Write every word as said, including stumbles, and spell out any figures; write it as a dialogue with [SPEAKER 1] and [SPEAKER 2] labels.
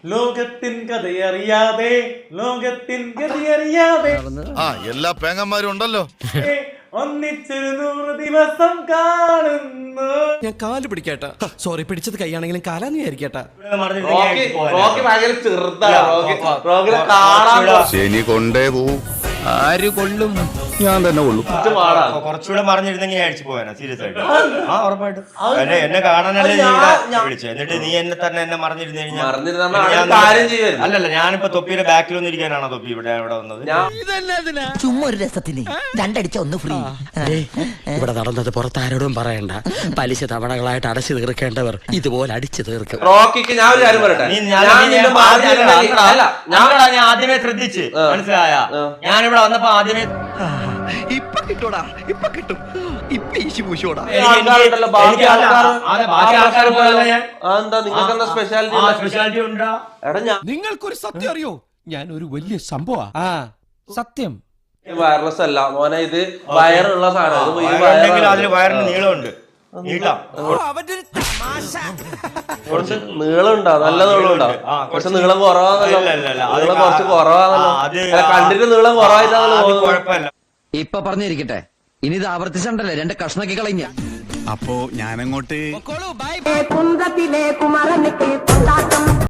[SPEAKER 1] ലോകത്തിൻ കഥയറിയാതെ ലോകത്തിൻ ഗതിയറിയാതെ
[SPEAKER 2] ആ എല്ലാ പേങ്ങന്മാരും ഉണ്ടല്ലോ.
[SPEAKER 1] ഒന്നിച്ചൊരു നൂറ് ദിവസം കാണുന്നു.
[SPEAKER 3] ഞാൻ കാല് പിടിക്കട്ടാ. സോറി, പിടിച്ചത് കൈയാണെങ്കിലും കാലാന്ന് വിചാരിക്കട്ടാ.
[SPEAKER 2] ശനി കൊണ്ടേ പോവും.
[SPEAKER 3] ആര് കൊള്ളും?
[SPEAKER 2] ഞാൻ തന്നെ കൊള്ളും.
[SPEAKER 4] കുറച്ചുകൂടെ മറിഞ്ഞിരുന്നെങ്കിൽ അടിച്ചു പോയാ സീരിയസ് ആയിട്ട്. ആ ഉറപ്പായിട്ടും എന്നെ എന്നെ കാണാനല്ലേ നീ ഇവിടെ വിളിച്ചത്. എന്നിട്ട് നീ എന്നെ തന്നെ എന്നെ മറിഞ്ഞിരുന്നു കഴിഞ്ഞാൽ അല്ലല്ല, ഞാനിപ്പോ തൊപ്പിയുടെ ബാക്കിലൊന്നും ഇരിക്കാനാണോ തൊപ്പി ഇവിടെ ഇവിടെ വന്നത്?
[SPEAKER 5] ചുമ്മാ ഒരു രസത്തിന് രണ്ടടിച്ച ഒന്ന് ഫ്രീ.
[SPEAKER 6] ഇവിടെ നടന്നത് പുറത്താരോടും പറയണ്ട. പലിശ തവണകളായിട്ട് അടച്ചു തീർക്കേണ്ടവർ ഇതുപോലെ അടിച്ചു തീർക്കും.
[SPEAKER 7] റോക്കിക്ക് ഞാൻ ഒരു കാര്യം പറയട്ടെ,
[SPEAKER 4] ഞാൻ ആദ്യമേ ശ്രദ്ധിച്ച് മനസ്സിലായ. ഞാനിവിടെ വന്നപ്പോ ആദ്യമേ
[SPEAKER 6] ഇപ്പൊ കിട്ടൂടാ, ഇപ്പൊ കിട്ടും. ഇപ്പൊ ഈശി പൂശോടാ.
[SPEAKER 4] സ്പെഷ്യാലിറ്റി ഉണ്ടാ.
[SPEAKER 3] നിങ്ങൾക്കൊരു സത്യം അറിയോ? ഞാൻ ഒരു വലിയ സംഭവ. ആ സത്യം
[SPEAKER 7] വയർലെസ് അല്ല മോനെ, ഇത് വയറുള്ള സാധനം.
[SPEAKER 4] അതിന് വയറിന് നീളമുണ്ട്.
[SPEAKER 7] കുറച്ച് നീളം ഉണ്ടോ? നല്ല നീളം ഉണ്ടോ? കുറച്ച് നീളം കുറവാണല്ലോ. നീളം കുറച്ച് കുറവാണല്ലോ. കണ്ടിട്ട് നീളം കുറവായിട്ടാണല്ലോ തോന്നുന്നത്.
[SPEAKER 5] ഇപ്പൊ പറഞ്ഞിരിക്കട്ടെ, ഇനി ഇത് ആവർത്തിച്ചണ്ടല്ലേ രണ്ട് കഷ്ണക്കി കളഞ്ഞ.
[SPEAKER 2] അപ്പോ ഞാനങ്ങോട്ട്